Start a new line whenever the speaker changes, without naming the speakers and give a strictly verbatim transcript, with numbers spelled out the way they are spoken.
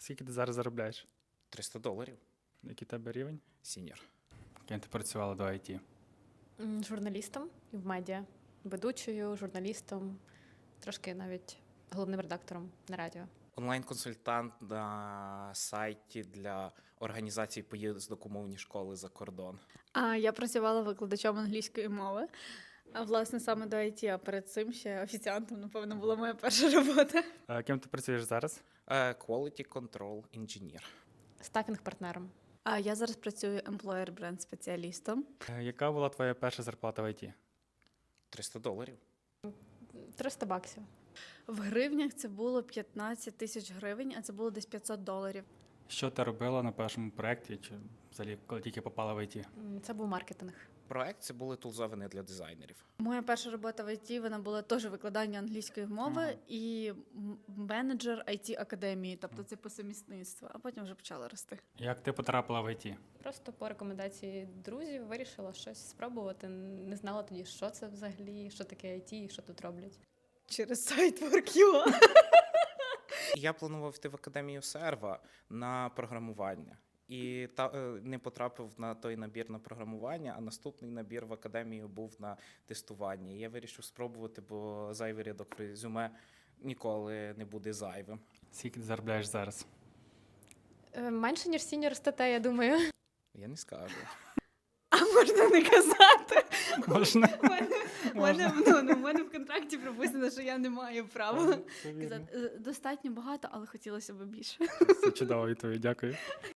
Скільки ти зараз заробляєш?
триста доларів.
Який в тебе рівень?
Сіньор.
Ким ти працювала до ай ті?
М, Журналістом і в медіа, ведучою, журналістом, трошки навіть головним редактором на радіо.
Онлайн-консультант на сайті для організації поїздок у мовні школи за кордон.
А я працювала викладачем англійської мови. А власне саме до ай ті, а перед цим ще офіціантом, напевно, була моя перша робота.
А ким ти працюєш зараз?
Е, Quality Control Engineer.
Стафінг-партнером.
А я зараз працюю employer бренд спеціалістом.
Е, Яка була твоя перша зарплата в ай ті?
триста доларів.
триста баксів.
В гривнях це було п'ятнадцять тисяч гривень, а це було десь п'ятсот доларів.
Що ти робила на першому проєкті, чи взагалі коли тільки попала в ай ті?
М, Це був маркетинг.
Проект це були тулзовини для дизайнерів.
Моя перша робота в ай ті, вона була теж викладання англійської мови
Ага.
і м- менеджер ай ті академії, тобто це по сумісництву, а потім вже почала рости.
Як ти потрапила в ай ті?
Просто по рекомендації друзів вирішила щось спробувати. Не знала тоді, що це взагалі, що таке ай ті і що тут роблять.
Через сайт WorkUA.
Я планував йти в академію серва на програмування. І та, е, не потрапив на той набір на програмування, а наступний набір в академію був на тестування. І я вирішив спробувати, бо зайвий рядок в резюме ніколи не буде зайвим.
Скільки ти заробляєш зараз?
Е, Менше, ніж сіньор статей, я думаю.
Я не скажу.
А можна не казати?
Можна?
У мене, у мене, ну, ну, у мене в контракті прописано, що я не маю права
Це вірно.
казати. Е, Достатньо багато, але хотілося б більше.
Це чудова відповідь, дякую.